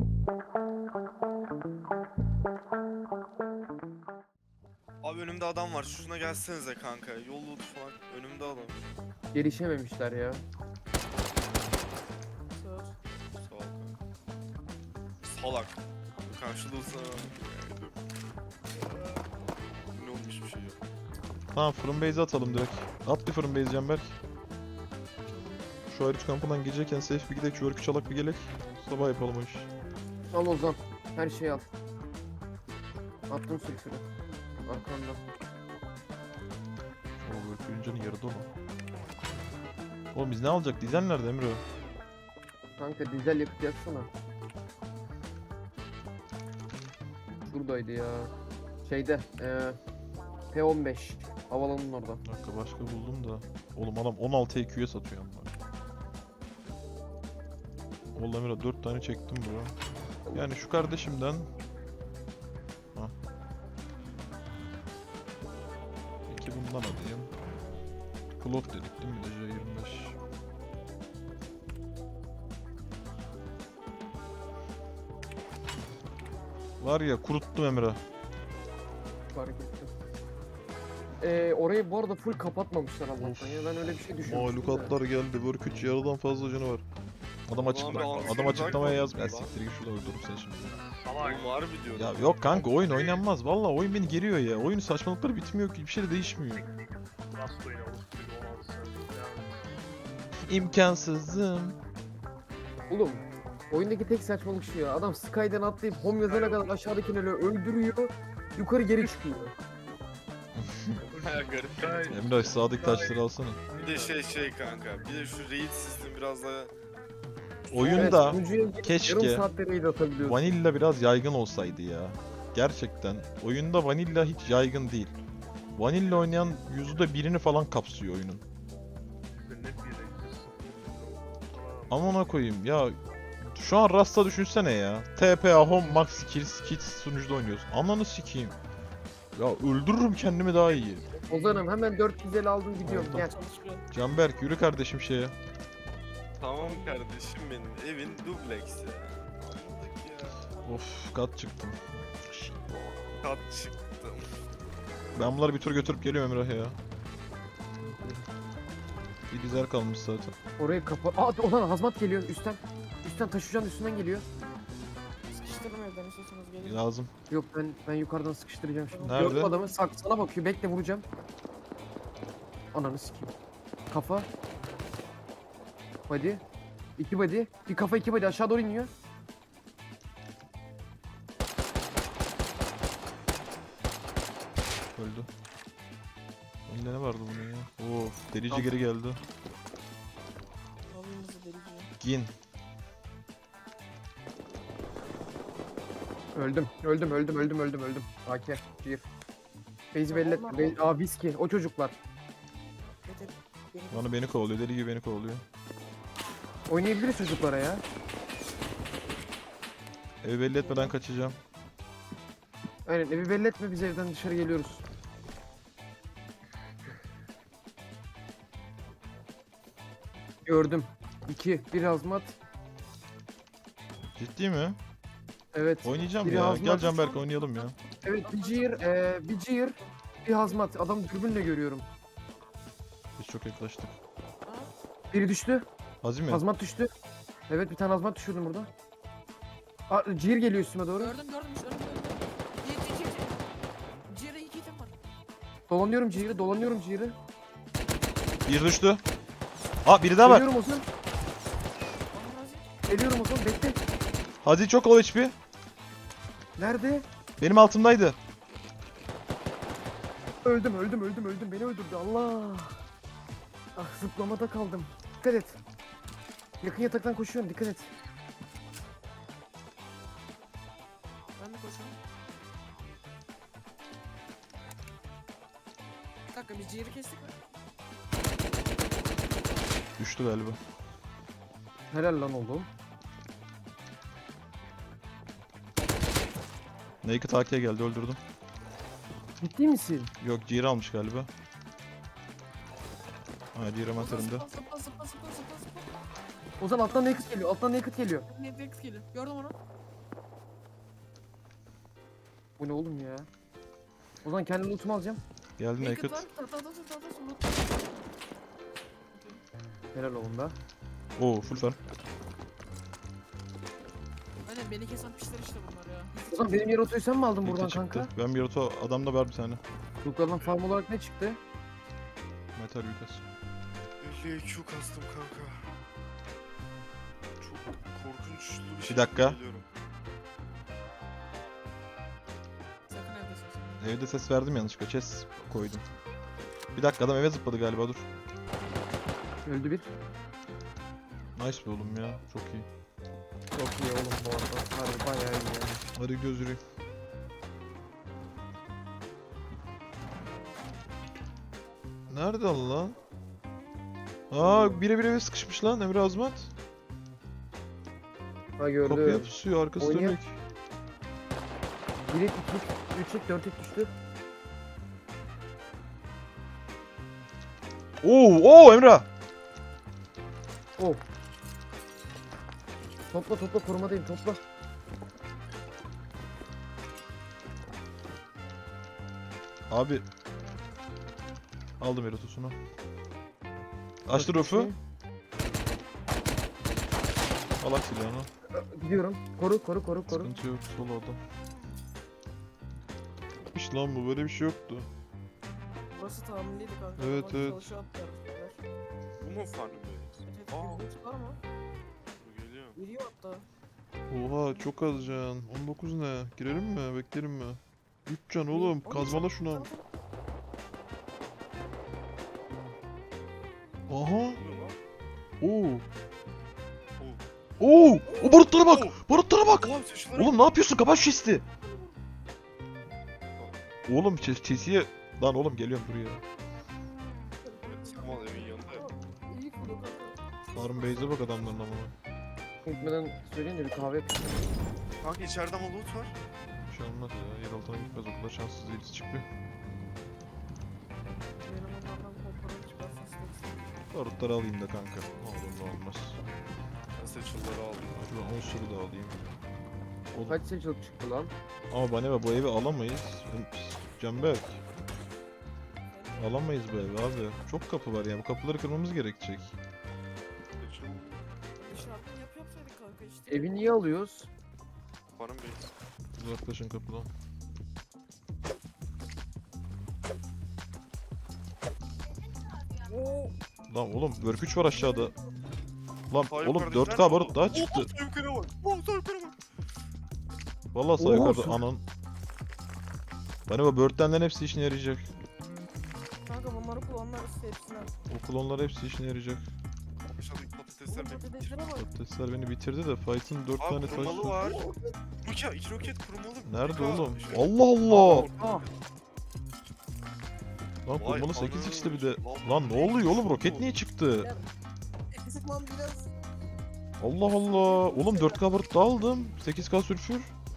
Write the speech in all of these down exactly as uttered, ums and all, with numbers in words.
Abi önümde adam var. Şuna gelsenize kanka. Yol loot falan. Önümde adam. Gelişememişler ya. Sağ. Sağ ol kanka. Salak. Karşılığı sana. Ne olmuş bir şey yok. Tamam fırın base'e atalım direkt. At bir fırın base Canberk. Şu ayrıç kampından gelecekken safe bir gidek, şu örkü çalak bir gelek. Sabah yapalım o iş. Al Ozan. Her şeyi al. Attım sülfürü. Arkamda. O örkü üncenin yarıda mı? Oğlum biz ne alacak? Dizel nerede Emre? Kanka dizel yakıt yaksana. Şuradaydı ya. Şeyde. Eee P on beş. Havalanın orada. Bir dakika başka buldum da. Oğlum adam on altı E Q'ye satıyor ama. Oğlum Emre dört tane çektim bro. Yani şu kardeşimden. Hah. İki bundan alayım. Cloth dedik değil mi? Bir de J yirmi beş. Var ya kuruttum Emre. Fark ettim. Eee orayı bu arada full kapatmamışlar Allah'tan Of. ya. Ben öyle bir şey düşünmüştüm. Mahlukatlar geldi. Work üç yarıdan fazla canı var. Adam Ulan açık abi, adam ansızın açıklamaya uzak yaz. Ya oldu lan. siktir git şurada öldürürüm seni şimdi. Oğlum var mı diyorum. Ya yok kanka oyun oynanmaz. Vallahi oyun beni geriyor ya. Oyunun saçmalıkları bitmiyor ki. Bir şey de değişmiyor. Nasıl oynamış bir on altı sene. İmkansızım. Oğlum oyundaki tek saçmalık şu ya. Adam Sky'den atlayıp home yazana kadar aşağıdakileri öldürüyor. Yukarı geri çıkıyor. Ha, garip. Emre sağdaki taşları alsana. Bir de şey şey kanka. Bir de şu raid sistemi biraz daha Oyunda sunucuya girip keşke yarım saatte raid atabiliyorsun. vanilla biraz yaygın olsaydı ya. Gerçekten oyunda vanilla hiç yaygın değil. Vanilla oynayan yüzde birini falan kapsıyor oyunun. Net bir yere gidiyorsun. Amına koyayım ya. Şu an Rasta düşünsene ya. T P A Home Max Kills Kids sunucuda oynuyorsun. Ananı sikeyim. Ya öldürürüm kendimi daha iyi. Ozan'ım hemen dört yüz elli aldım gidiyorum. Oldu. Gel. Çalışıyor. Canberk yürü kardeşim şeye. tamam kardeşim benim. Evin dubleks ya. Anladık ya. Of kat çıktım. Kat çıktım. Ben bunları bir tur götürüp geliyorum Emrah ya. Bir güzel kalmış zaten. Orayı kapa... Aa Ozan hazmat geliyor üstten. Üstten taşıyan üstünden geliyor. Sıkıştırdım evden istiyorsanız gelin. Lazım. Yok ben ben yukarıdan sıkıştıracağım şimdi. Nerede? Gördüm adamı sak sana bakıyor bekle vuracağım. Ananı sikeyim. Kafa. Body. İki body. Bir kafa iki body aşağı doğru iniyor. Öldü. Önünde ne vardı bunun ya? Of delici geri geldi. Alayım bizi delici. Gin. Öldüm. Öldüm öldüm öldüm öldüm öldüm. A K. Bir. Beyzi belli etme. Bey... Aa viski. O çocuklar. Getir. Beni Bana beni kovalıyor. Deli gibi beni kovalıyor. Oynayabiliriz çocuklara ya. Evi belli etmeden kaçacağım. Aynen evi belli etme biz evden dışarı geliyoruz. Gördüm. İki. Bir hazmat. Ciddi mi? Evet. Oynayacağım Biri ya. hazmat. Gel Canberk oynayalım ya. Evet bir cihir. Ee, bir cihir. Bir hazmat. Adam dürbünle görüyorum. Biz çok yaklaştık. Biri düştü. Hazim mi? Hazmat düştü. Evet bir tane hazmat düşürdüm burada. Aa, cihir geliyor üstüme doğru. gördüm gördüm. Önümde önümde. Gir gir gir. Ciğere iki item var. Dolanıyorum cihiri. Dolanıyorum cihiri. Bir düştü. Aa biri daha var. Geliyorum Ozan. Aman razı. Geliyorum Ozan. Bekle. Hadi çok ol H P. Nerede? Benim altımdaydı. Öldüm öldüm öldüm öldüm. Beni öldürdü Allah. Ah zıplamada kaldım. Dikkat et. Yakın yataktan koşuyorum dikkat et. Ben de koşuyorum. Bir dakika biz ciğeri kestik mi? Düştü galiba. Helal lan oğlum. Naked A K'ye geldi öldürdüm. Ciddi misin? Yok Cihir almış galiba. Ha Cihir hemen Zıpla önümde. zıpla zıpla zıpla zıpla zıpla zıpla. Ozan alttan naked geliyor. Alttan naked geliyor. Netflix geliyor. Gördüm onu. Bu ne oğlum ya? O zaman kendi lootumu alacağım. Geldin Naked Naked. var. Tahta tahta tahta sulu. Helal oğlum da. Oo full farm. Aynen beni kesen pişler işte bunlar ya. O zaman benim yer otoyu sen mi aldın buradan Birlikte çıktı. kanka? Ben bir oto adamda var bir tane. Lootlardan farm olarak ne çıktı? Metal yukas. elli Q kastım kanka. Çok korkunçlu bir şey. dakika. Geliyorum. Sakın evde ses. Evde ses verdim yanlışlıkla. Chest koydum. Bir dakika adam eve zıpladı galiba dur. Öldü bir. Nice be oğlum ya. Çok iyi. Çok iyi oğlum bu arada. Harbi bayağı iyi ya. Hadi göz yürüyün. Nerede lan? Aa bire bire eve sıkışmış lan Emre Azmat. Ha gördüm. Kapıya pusuyor arkası Oynuyor. dönük. bir et, iki et, üç et, dört et düştü. Oo oo Emre. Oh. Topla topla korumadayım topla. Abi. Aldım erotosunu. Açtı rufu. Alak silahını. Gidiyorum. Koru koru koru koru. Sıkıntı yok sol adam. Hiç lan bu böyle bir şey yoktu. Burası tahminliydi kanka. Evet, Bak, evet. çalışıyor atlar. Bu mu farm böyle? Evet, evet, Aa. bir loot var mı? Bu geliyor. Geliyor hatta. Oha çok az can. on dokuz ne? Girelim mi? Beklerim mi? üç can oğlum. Oğlum, Kazmala sen- şuna. sen- Aha. Ne oluyor lan? Oo. Oo. Oo. O barutlara bak. Oo. Barutlara bak. Oha seçilere Oğlum ne yapıyorsun? Kapat şu chest'i. Oğlum chest chest'iye... Lan oğlum geliyorum buraya. Samal evin yanında. Aa, İyi kurdu kanka. Harun Beyze bak adamların amına. Gitmeden söyleyin de bir kahve yapayım. Kanka içeride ama loot var. Bir şey olmaz ya. Yer altına gitmez. O kadar şanssız değiliz. Çık bir. Benim onlardan kontrolü çıkarsın istersen. Barutları alayım da kanka. Ne olur ne olmaz. Ben seçilleri aldım. Şuradan on sürü de alayım. Oğlum. Kaç seçilik çıktı lan? Ama bana bu evi alamayız. Canberk. Alamayız bu evi abi. Çok kapı var ya. Bu kapıları kırmamız gerekecek. Seçil. Şartını yap yapsaydık kanka işte. Evi niye alıyoruz? Farm base. Uzaklaşın kapıdan. Oo. Lan oğlum Work üç var aşağıda. Lan Sağ oğlum yukarıda dört nerede K o? barut daha Oo, çıktı. sağ yukarı bak. Oo, sağ yukarı bak. Vallahi sağ Oo, yukarıda su- anan. Bana bu börtlenlerin hepsi işine yarayacak. Kanka bunları kullanırız hepsine. O klonlar hepsi işine yarayacak. Aşağıdaki patatesler Oğlum beni bitirdi. patateslere bak. Patatesler beni bitirdi de Fight'ın dört Abi tane taş kurmalı var. var. Roket, iki roket kurmalı. Nerede Kanka, oğlum? şey- Allah Allah! Aa. Lan Vay kurmalı sekiz x'ti bir de. anam. Lan ne oluyor oğlum roket niye çıktı? Sıkmam biraz. Allah Allah! Oğlum dört K barut daha aldım. sekiz K sülfür.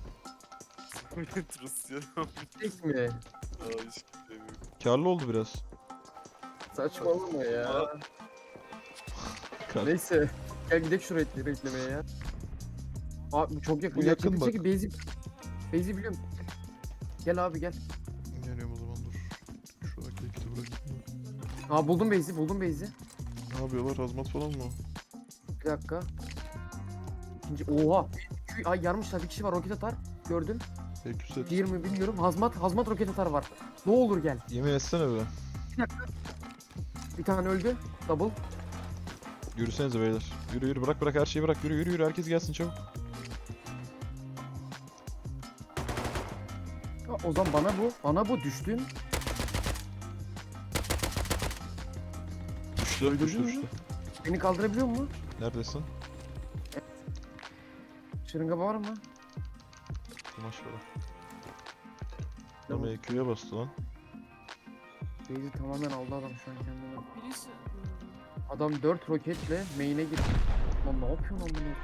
Rusya. Tek mi? Aa hiç demiyorum. Karlı oldu biraz. Saçmalama ya. Kar- Neyse. Gel gidelim şu raidleri eklemeye ya. Abi bu çok yakın. Bu ya. yakın Çekil, bak. çekil. Beyzi. Beyzi biliyorum. Gel abi gel. Geliyorum o zaman dur. Şu raketi bırakayım. Aa buldum Beyzi buldum Beyzi. Ne yapıyorlar? Hazmat falan mı? Bir dakika. İkinci oha. Şu, ay yarmışlar bir kişi var roket atar. Gördüm. Ekü set. Diğer mi bilmiyorum. Hazmat hazmat roket atar var. Ne olur gel. Yemin etsene be. Bir tane öldü. Double. Yürüsenize beyler. Yürü yürü bırak bırak her şeyi bırak. Yürü yürü yürü herkes gelsin çabuk. Ha, o zaman bana bu. Bana bu düştün. Düştü Öldürdün düştü mü? düştü. Beni kaldırabiliyor mu? Neredesin? Şırınga var mı? Kumaş var. Tamam. Ama E Q'ya bastı lan. Beyzi tamamen aldı adam şu an kendine. Birisi. Adam dört roketle main'e girdi. Lan ne yapıyorsun lan bunu? Dedim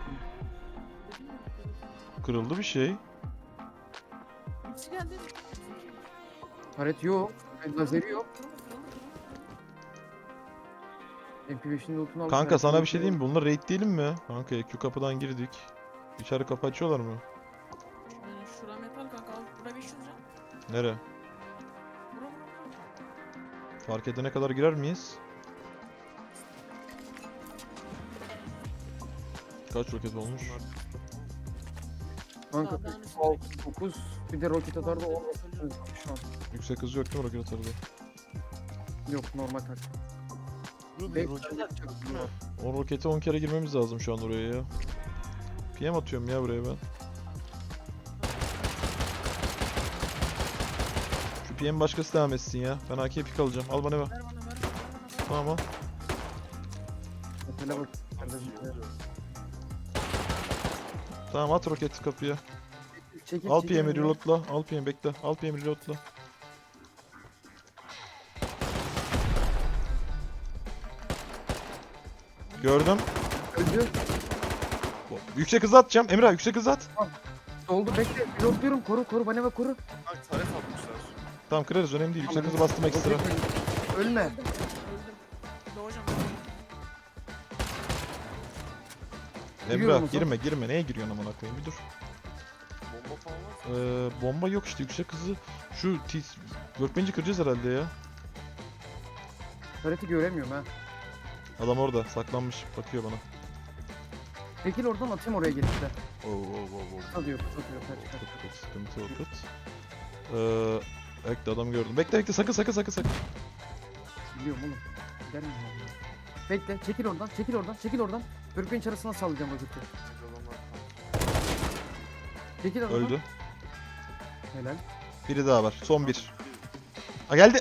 ya. Kırıldı bir şey. Birisi geldi. Taret yok. Lazeri yok. M P beşin lootunu aldı. Kanka taret sana yok. bir şey diyeyim mi? Bunlar raid değilim mi? Kanka E Q kapıdan girdik. İçeri kapı açıyorlar mı? Yani şura metal kanka al. Buraya beş yüz lira. Nere? Bura bura bura. Fark edene kadar girer miyiz? Kaç roket olmuş? Kanka Daha- daha ne altı dokuz bir de roket atar da on şu an. Yüksek hızı yok değil mi roket atarda? Yok normal tak. Ruby Bek- roket atacak değil mi? O rokete on kere girmemiz lazım şu an oraya ya. P M atıyorum ya buraya ben. Şu P M başkası devam etsin ya. Ben A K pik alacağım. Al bana ver. Ver bana ver bana ver bana. Ver. Tamam al. Mesela bak. kardeşim, Tamam at roketi kapıya. Çekil, Al çekil P M'i önüne. reloadla. Al P M bekle. Al P M'i reloadla. Gördüm. Öldü. Yüksek hızı atacağım. Emre abi, yüksek hızı at. Doldu bekle. Pilotluyorum. Koru koru bana bak koru. Bak taret atmışlar. Tamam kırarız önemli değil. Yüksek Tamam. hızı bastım ekstra. Roket öldü. Ölme. Öldüm. Öldüm. Doğacağım. Emre Giriyorum abi, o zaman. girme girme. Neye giriyorsun amına koyayım bir dur. Bomba falan var. Ee, bomba yok işte yüksek hızı. Şu T workbench'i kıracağız herhalde ya. Kareti göremiyorum ha. Adam orada saklanmış bakıyor bana. Çekil oradan atayım oraya gelip de. Oo oo oo oo. Kısa diyor kısa diyor. Kaç kaç. Kıt kıt sıkıntı yok kıt. Ee, bekle adam gördüm. Bekle bekle sakın sakın sakın sakın. Biliyorum oğlum. Gider miyim ya? Bekle çekil oradan çekil oradan çekil oradan. Workbench arasına sallayacağım roketi. Adamlar Çekil oradan. Öldü. Helal. Biri daha var. Son bir. Ha geldi.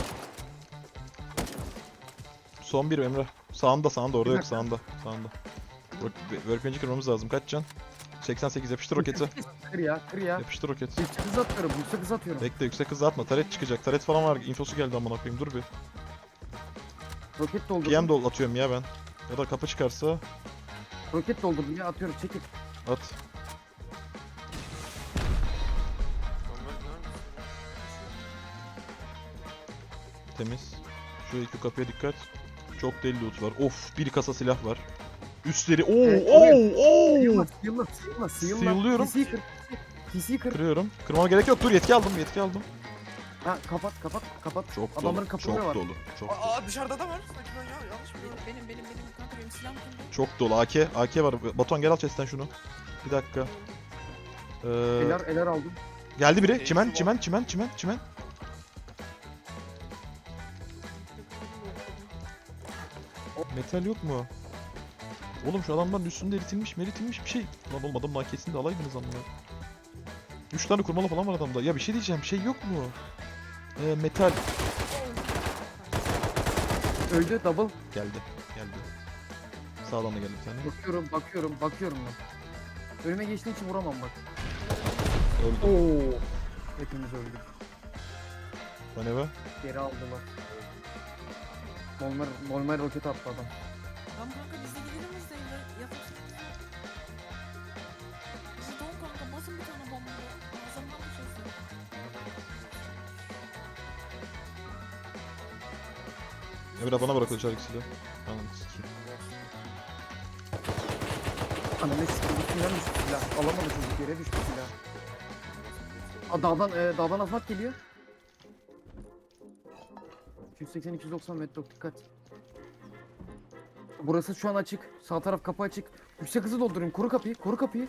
Son bir Emre. Sağında sağında orada Bir yok dakika. sağında. Sağında. Work- Workbench'i kırmamız lazım. Kaç can? seksen sekiz yapıştır roketi. Kır ya kır ya. Yapıştır roket. Yüksek hız atıyorum yüksek hız atıyorum. Bekle yüksek hızı atma. Taret çıkacak. Taret falan var. Infosu geldi amına koyayım. Dur bir. Roket doldurdum. P M dol atıyorum ya ben. Ya da kapı çıkarsa Roket doldurdum ya atıyorum çekil. at. Adamlar neredesin? Temiz. Şu iki kapıya dikkat. Çok deli loot var. Of, bir kasa silah var. Üstleri. Oo, Evet, oo, oo. Sıyılma sıyılma sıyılma sıyılma. Sıyılıyorum. P C'yi kır. P C'yi kır. Kırıyorum. Kırmama gerek yok. Dur yetki aldım. Yetki aldım. Ha kapat kapat kapat. Çok Adamların dolu. kapıları Çok var. dolu. Çok dolu. Aa dışarıda da var. Sanki ben ya yanlış mı Benim gördüm? benim benim benim kanka benim silahım kimde? Çok dolu. A K. A K var. Batuhan gel al chest'ten şunu. Bir dakika. Ee, Eler eler aldım. geldi biri. Eğitim Çimen, var. çimen, çimen, çimen, çimen. Metal yok mu? Oğlum şu adamların üstünde eritilmiş, meritilmiş bir şey. Lan oğlum adamın A K'sini de alaydınız amma. üç tane kurmalı falan var adamda. Ya bir şey diyeceğim, şey yok mu? Ee, metal. Öldü double. Geldi, geldi. Sağdan da geldi bir tane. Bakıyorum bakıyorum bakıyorum ben. Önüme geçtiği için vuramam bak. Öldü. Oo. Hepimiz öldük. Lan eve. Geri aldılar. Molmer, Molmer roket attı adam. Lan kanka biz de gidelim biz de evde yatırsın. Bizi don kanka basın bir tane bomba. Ağzımdan bir şey söyle. Emre bana bırak o çarık silahı. Anam sikeyim. Ananı sikeyim üstünden düştü silah. Alamadı çocuk yere düştü silah. Aa, dağdan, e, dağdan afat geliyor. iki yüz seksen iki yüz doksan metre dikkat. Burası şu an açık. Sağ taraf kapı açık. Yüksek hızı doldurayım. Koru kapıyı. Koru kapıyı.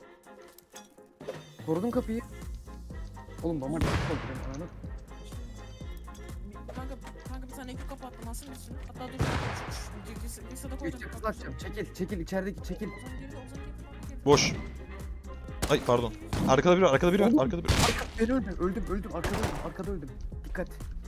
Korudum kapıyı. Oğlum bana bir doldurayım. Ananı. Kanka kanka bir tane ekip kapattım asıl üstünü. Hatta dur. Bir sada koydum. Yüksek hızı açacağım. Çekil. Çekil. içerideki çekil. Ozan geride Ozan geride. Boş. Ay pardon. Arkada biri var, arkada biri var, Oğlum. arkada biri. Arka, ben öldüm. Öldüm. Öldüm. Arkada öldüm. Arkada öldüm. Dikkat.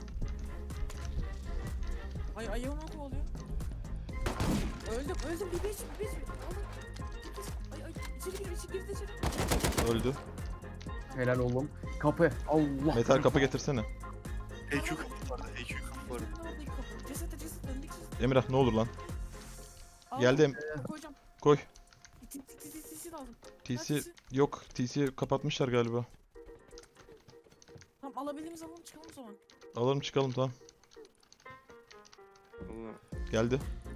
Ay ayağım o kovalıyor. Öldüm öldüm bir beş bir beş. Alın. Ay ay içeri gir içeri girdi içeri. Öldü. Helal oğlum. Kapı. Allah. Metal kapı getirsene. H Q kapı vardı. H Q kapı vardı. Ceset ceset döndük ceset. Emrah ne olur lan. Al, Geldi em koyacağım. koy. T T T T T aldım. T C yok. T C'yi kapatmışlar galiba. Tamam alabildiğimiz alalım çıkalım o zaman. Alalım çıkalım tamam. Allah. Geldi.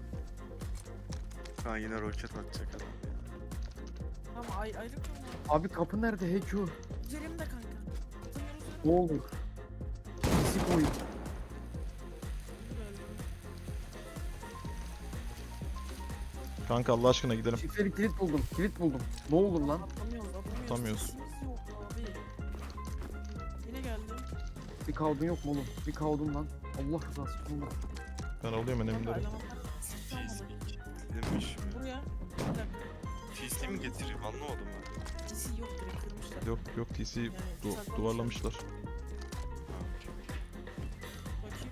Ha yine roket atacak adam. Tamam ay ayrı koyalım. Abi kapı nerede? H Q. Üzerimde kanka. Ne olur. Pislik oyun. Kanka Allah aşkına gidelim. Şifreli kilit buldum. Kilit buldum. Ne olur lan. Atamıyoruz, atamıyoruz. Atamıyoruz. Sesimiz yok abi. Yine geldi. Bir kaldın yok mu oğlum? Bir kaldın lan. Allah rızası için oğlum. Ben alıyorum Kanka enemleri. elemanlar sıktı ama. Demiş mi? Buraya. Bir dakika. T C mi getireyim anlamadım ben. D C yok, direkt kırmışlar. Yok yok T C Yani du- saklamışlar. duvarlamışlar. Bakayım.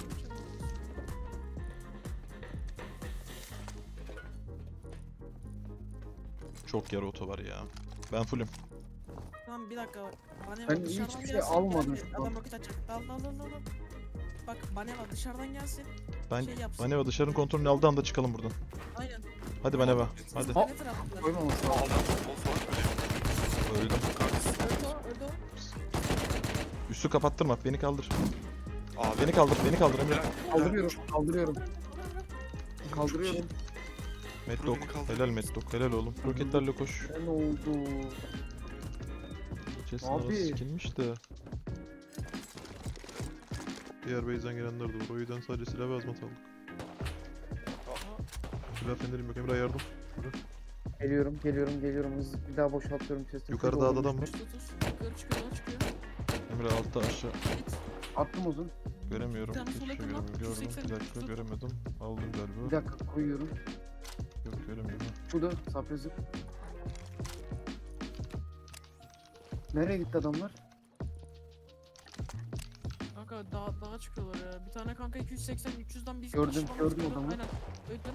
Çok yarı oto var ya. Ben fullüm. Tamam bir dakika bak. Bana Ben bak, dışarıdan hiçbir şey gelsin. almadım Gel, şu an. Adam roket atacak. Dal dal dal dal. dal. Bak Baneva dışarıdan gelsin. Ben Şey yapsın. Maneva dışarının kontrolünü aldığı anda çıkalım buradan. Aynen. Hadi Maneva. Hadi. Hop. Ne taraftalar? Koymaması lazım. Aldım. O falan böyle. Öldüm. Öldü o, öldü o. Üstü kapattırma. Beni kaldır. Abi. Beni kaldır. Beni kaldır Emre. Kaldırıyorum. Kaldırıyorum. Kaldırıyorum. Medlock. Beni kaldır. Helal Medlock. Helal oğlum. Roketlerle koş. Ne oldu? Chest'in Abi. arası sikilmiş de. Diğer base'den gelenler de var. O yüzden sadece silah ve azmat aldık. Silah fenerim yok. Emre yardım. Geliyorum, geliyorum, geliyorum. Hızlı bir daha boşaltıyorum chest'i. Yukarıda Full adam doldurmuş. var. Tut tut. Yukarı çıkıyor, yola çıkıyor. Emre altta aşağı. Git. Attım uzun. Göremiyorum. Bir tane Hiçbir sola şey kullan. göremiyorum. Gördüm. seksen, Bir dakika tut. göremedim. Aldım Bir galiba. dakika koyuyorum. Yok göremiyorum. Şurada sapresi. Nereye gitti adamlar? Kanka dağa, dağa çıkıyorlar ya. Bir tane kanka iki yüz seksen üç yüzden bir Gördüm, kişi bana gördüm sıkıyordu. adamı. Aynen. Öldüm.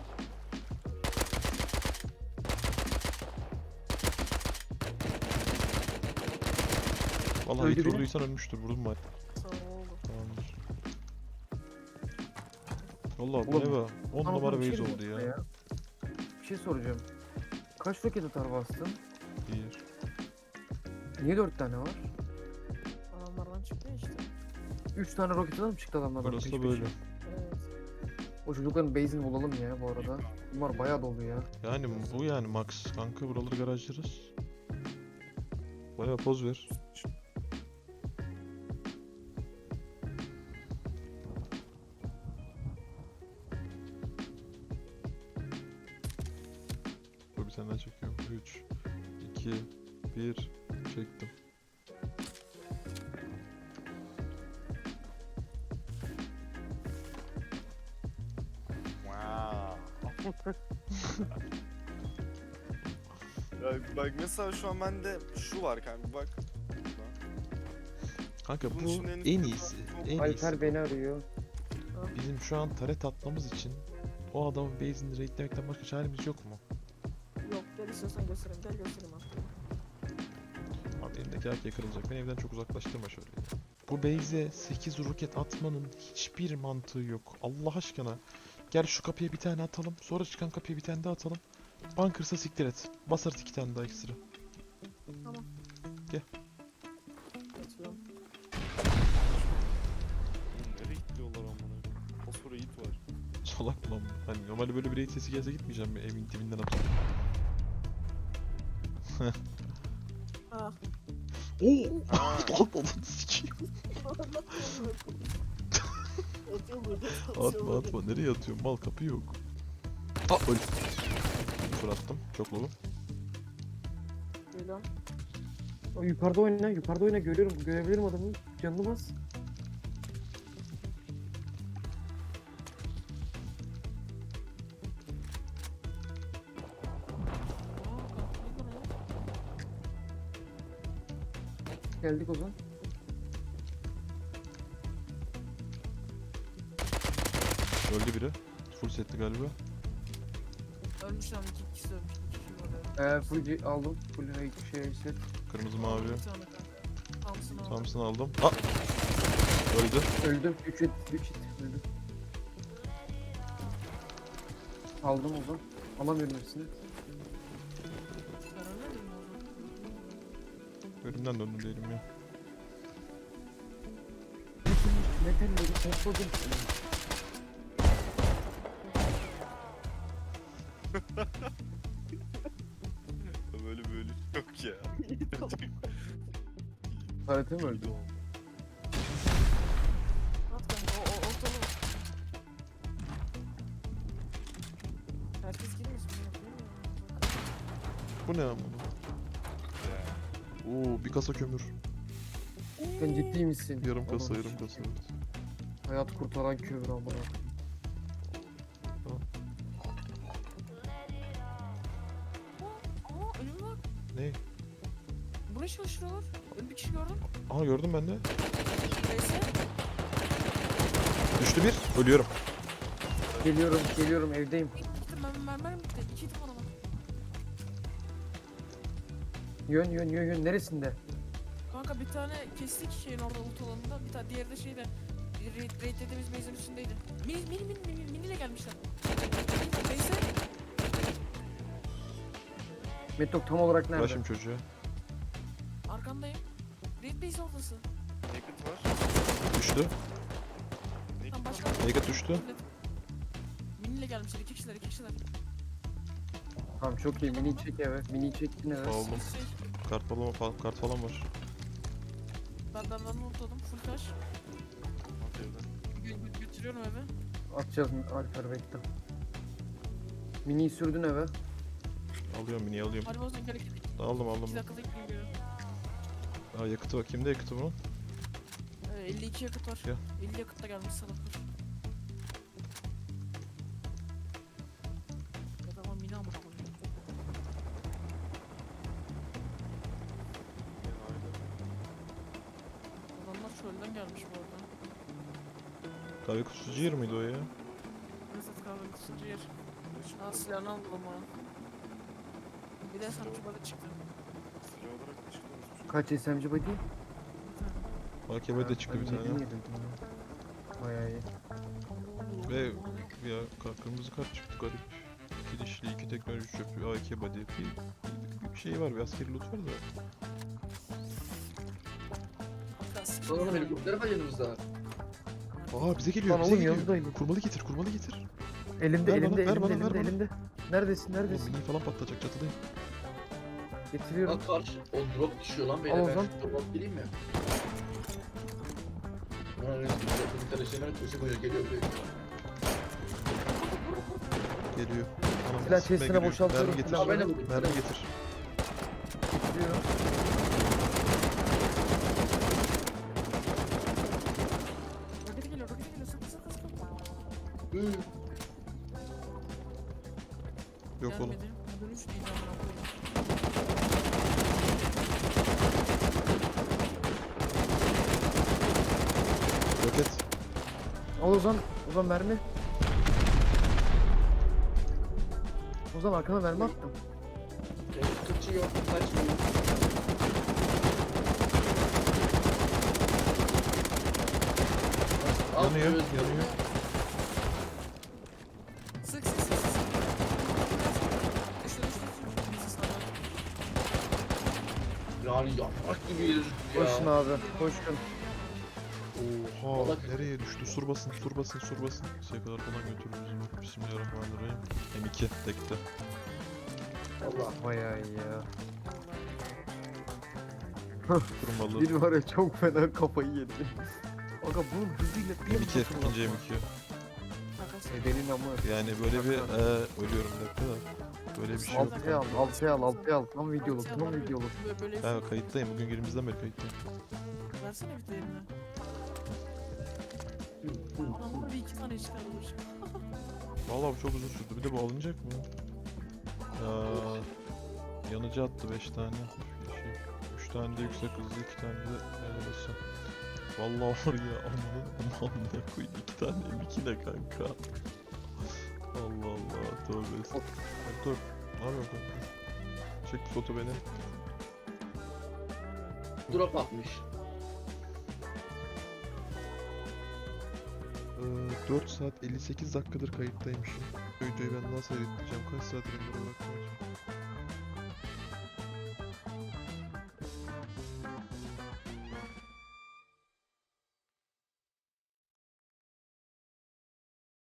Vallahi Öldü hit biri. vurduysan ölmüştür. Vurdum bari. Sağ ol. Tamamdır. Valla bu Oğlum, ne be? on Ama numara bir şey base diyeceğim oldu ya. Bir şey soracağım. Kaç roket atar bastın? Bir. Niye dört tane var? Adamlardan çıktı ya işte. Üç tane roket atar mı çıktı adamlardan? Burası peş da peşe? böyle. Evet. O çocukların base'ini bulalım ya bu arada. Bunlar bayağı dolu ya. Yani bu yani max. Kanka buraları garajlarız. Bayağı poz ver. Dur bir tane daha çekiyorum. üç, iki, bir, çektim. Wow. Ya bak mesela şu an bende şu var kanka bak. Kanka Bunun bu için en- en iyisi. En iyisi. Alper beni arıyor. Bizim şu an taret atmamız için o adamın base'ini raidlemekten başka çaremiz yok mu? Yok gel istiyorsan göstereyim. Gel göstereyim abi. Abi elindeki erkeğe kırılacak. Beni evden çok uzaklaştırma şöyle. Bu base'e sekiz roket atmanın hiçbir mantığı yok. Allah aşkına. Gel şu kapıya bir tane atalım. Sonra çıkan kapıya bir tane daha atalım. Bunker'sa siktir et. Basarız iki tane daha ekstra. Tamam. Gel. Atıyorum. Oğlum nereye gidiyorlar amına? Fosfora it var. Salak lan bu. Hani normalde böyle bir raid sesi gelse gitmeyeceğim mi? Evin dibinden atıyorum. Ah. Oo! Ha. Atma lan sikeyim. Atma atma. Nereye atıyorum? Mal kapı yok. Aa öl. Sıfır attım. Çok low. Geliyorum. O yukarıda oyna, yukarıda oyna görüyorum. Görebilirim adamı. Canını bas. Aa kalktı lan. Geldik o zaman. Öldü biri. Full setli galiba. Ölmüş lan iki kişi ölmüş. İki kişi var. Ee, full C- aldım. Full raid şey set. Kırmızı mavi. Bir tane kanka. Thompson aldım. Thompson aldım. Aa! Öldü. Öldüm. üç hit, üç hit. Öldüm. Aldım o zaman. Alamıyorum hepsini. Ben ölmedim mi o zaman? Ölümden döndüm değilim ya. Metalleri topladım. Böyle böyle yok ya. Karate mi öldü? Bu ne amına? Oo bir kasa kömür. Sen ciddi misin? Yarım kasa Oğlum, yarım kasa. hayat kurtaran kömür amına. Aa önüm var. Ne? Buraya çalıştırıyorlar. Ön bir kişi gördüm. Aha gördüm ben de. Neyse. Düştü bir. Ölüyorum. Geliyorum geliyorum evdeyim. Gittim ben mermer mi bitti? İki itim adama. Yön yön yön yön neresinde? Kanka bir tane kestik şeyin orada ult alanında. Bir tane diğeri de şeyde. Raid, raid dediğimiz base'in üstündeydi. Mini mini mini mini mini ile gelmişler. Neyse. Metok tam olarak nerede? Uğraşım çocuğa. Arkandayım. Raid base oradası. Naked var. Düştü. Naked Tam var. başka. Naked düştü. Mini ile gelmişler. İki kişiler iki kişiler. Tamam çok iyi mini çek eve. Mini çektin eve. Aldım. Şey, Kart falan, falan, kart falan var. ben ben ben unutladım. Full taş. At evden. Gö gö götürüyorum eve. Atacağız mı? Alper bekle. Mini'yi sürdün eve. Alıyorum mini alıyorum. Hadi bozun gel iki Aldım aldım. iki dakikada gideyim geliyorum. Aa yakıtı var. Kimde yakıtı bunun? Ee, elli iki yakıt var. Ya. elli yakıt da gelmiş salaklar. Ya da ama mini amına koyayım. Gel aile. Adamlar çölden gelmiş bu arada. Kahve kutucu yer miydi o ya? Mesut kahve kutucu yer. Aa silahını aldım ama. Bir de sanatçı balık çıktı. Silah olarak da çıkıyoruz. Kaç S M G body? Bir tane. A K B'de çıktı bir Ben tane. yedim, yedim, tamam. Bayağı iyi. Ve ya ka- kırmızı kart çıktı garip. İki dişli, iki teknoloji çöpü, A K body. Bir, bir, bir şey var, bir askeri loot var da. Biraz Oğlum helikopter var yanımızda. Aa bize geliyor, Lan bize oğlum geliyor. yanındayım. Kurmalı getir, kurmalı getir. Elimde Ver bana, elimde ver elimde bana, ver elimde bana. elimde. Neredesin Oğlum neredesin? mini falan patlayacak çatıdayım. Getiriyorum. Lan karşı o drop düşüyor lan Al beyler. o Ben zaman. şu drop gireyim mi? Lan öyle bir tane şey var köşe koyuyor geliyor buraya. Geliyor. Anam, Silah sıkmaya chest'ine geliyor. boşaltıyorum, Mermi getir. silah ben de buldum. Mermi getir. Getiriyorum. Roketi geliyor roketi geliyor sıkı sıkı sıkı. Hı. Yok oğlum. Gelmedi. Dönüş değil amına koyayım. Roket. Al Ozan. Ozan mermi. Ozan arkana mermi attım. Benim kaçıyor, kaçmıyor. Al, Yanıyor, evet. yanıyor. Sık sık sık sık. Düştü düştü düştü. Bizi sağlar. Yani yaprak gibi yürüdük ya. Koşun abi. Koşun. Oha Vallahi- nereye düştü? Sur basın, sur basın, sur basın. Şeye kadar falan götürürüz. Bismillahirrahmanirrahim. M iki tekte. Allah. Bayağı iyi ya. Kurmalı. Bir var ya çok fena kafayı yedi. Aga bunun hızıyla bir M iki, nasıl ikinci M ulaşmaz? iki. Arkadaşlar. Ebenin amı. Yani böyle bir e, ölüyorum bir dakika da. Böyle bir şey yok. Altıya al, altıya al, altıya al. Tam videoluk, tam videoluk. Böyle böyle Ben kayıttayım. Bugün günümüzden beri kayıttayım. versene bir de eline. Adamlar bir iki tane çıkarmış. Vallahi bu çok uzun sürdü. Bir de bu alınacak mı? Aa, yanıcı attı beş tane. Şey, üç tane de yüksek hızlı, iki tane de arabası. Vallahi var ya amanın amanına koyayım. iki tane M iki ne kanka? Allah Allah tövbe estağfurullah. Dur. Ne yapıyorsun kanka? Çek bir foto beni. Drop atmış. Ee, dört saat elli sekiz dakikadır kayıttaymışım. Videoyu ben nasıl editleyeceğim? Kaç saat render bırakmayacağım?